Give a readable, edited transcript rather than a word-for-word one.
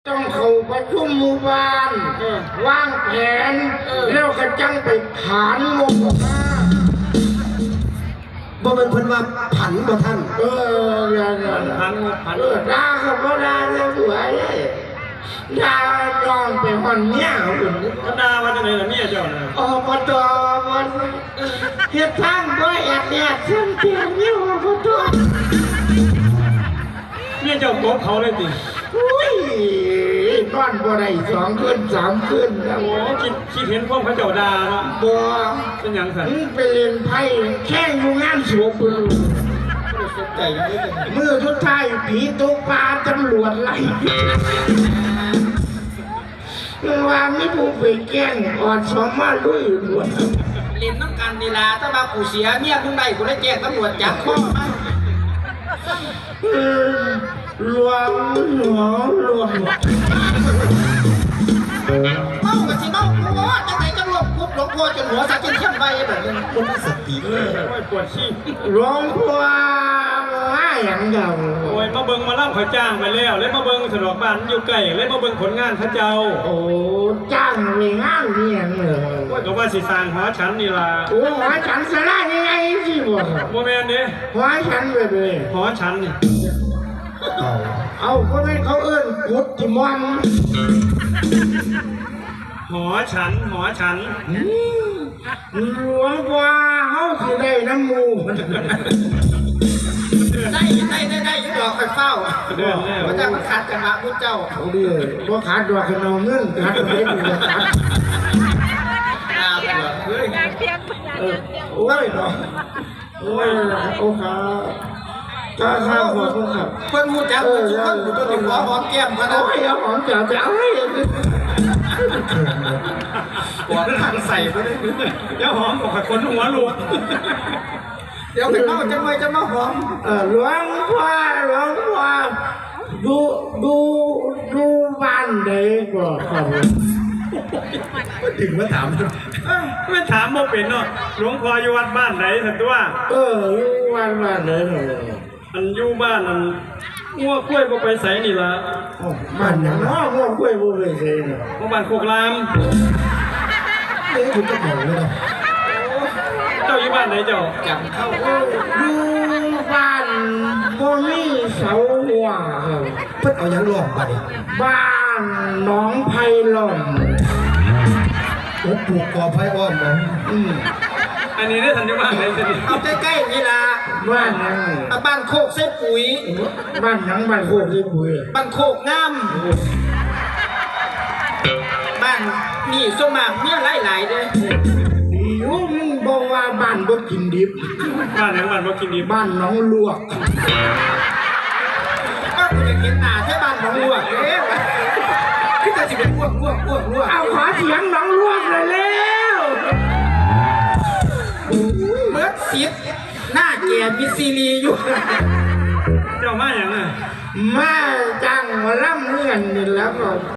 ต้องเข้าประชุมหมู่บ้านวางแผนแล้วก็จังไปผ่านงบออกมาบ่เป็นเพิ่นว่าผันบ่ท่านอย่างนั้นผันด่าเขาก็ด่าแล้วสวยด่าลองไปหอนเมียเขาอยู่ด่าว่าจะไหนล่ะเมียเจ้าน่ะอบตมันเฮ็ดทางบ่แอดแอดเส้นเตียงอยู่อบตเมียเจ้าโกบเขาเลยติอุ้ยนอนบ่ได้2 คืน 3 คืนแล้วโอ้คิดเห็นพวกเขาเจ้าด่าเนาะบ่เป็นหยังซั่นไปเล่นไพ่แข่งอยู่งานสวมปืนมือทุกท้ายผีตกปลาตำรวจไล่ว่าไม่ผู้ไปแกล้งอ่อนสมมาลุยหลวดเล่นน้ำกันนี่ล่ะถ้าว่ากูเสียเมียมึงได้กูได้แจ้งตำรวจจับข้อมาหลวงเมากับสิเมากูว่าจังไหนจังหลบปุ๊บหลวงพ่อจนหัวสักจนเข้มไปแบบนี้คนสติปวดขี้หลวงพ่อว่าอย่างเดียวโอ้ยมาเบิ่งมาล่ำเขาจ้างไปแล้วเลยมาเบิ่งสะดวกบ้านอยู่ใกล้เลยมาเบิ่งผลงานพระเจ้าโอ้จ้างไปงานนี่อย่างเลยว่าก็ว่าสิสร้างหอฉันนี่ล่ะโอ้หอฉันสลายยังไงสิบ่แม่นเด้หอฉันเลยหอฉันนี่เอาก็ไม่เขาเอิ้นกุดที่มอนหอฉันหลวงพ่อเขาสิได้น้ำมูได้ยุดดอกไฟเฝ้าพระเจ้ามันขาดจังหวะพุทธเจ้าเอาดิว่าขาดดอกขนมเงินขาดเล็กเลยขาดโอ้ยเนาะโอ้ยโอ้ขาข้าขอโทษครับเพิ่นพูดจังทุกคนอยู่จนถึงหัวหอมแก้มกันนะโอ้ยหอมจ๋าจ๋าเฮ้ยปวดขันใส่ไปเลยเดี๋ยวหอมกับคนหัวหลวงเดี๋ยวเป็นเมาจะมาหอมหลวงพ่อดูบ้านไหนก่อนครับถึงมาถามไม่ถามโมเป็นเนาะหลวงพ่ออยู่วัดบ้านไหนสักตัวอยู่บ้านไหนอันอยู่บ้านอันงัวกล้วยก็ไปใส่นี่ละบ้านอย่างง้อกล้วยบ่ไปใส่เนี่ยบ้านโคกรามคุณจะบอกเลยนะเจ้าอยู่บ้านไหนเจ้าจับเข้าอยู่บ้านบ่มีเสาหัวครับเพิ่นเอายังหลอกมาดิบ้านหนองไผ่ล้อมโอ้ปลูกกอไผ่อ้อมมั้งอันนี้ได้ทันอยู่บ้านไหนสิเอาใกล้ๆนี่ล่ะบ้านยังบ้านโคกเส้ปุ๋ยบ้านยังบ้านโคกเส้ปุ๋ยบ้านโคกงามบ้านนี่สมากเมียหลายๆเด้อยู่มึงบอกว่าบ้านบ่กินดิบบ้านยังบ้านบ่กินดิบบ้านน้องลวกก็คุณจะเห็นหน้าแค่บ้านน้องลวกเด้คือจะสิเป็นพวกเอาขอเสียงน้องลวกเลยแล้วเมื่อสิบหน้าแก่มิซีรีอยู่เจ้ามาอย่างน่ะมาจังมาล่ำเลื่อนนี่แล้วก็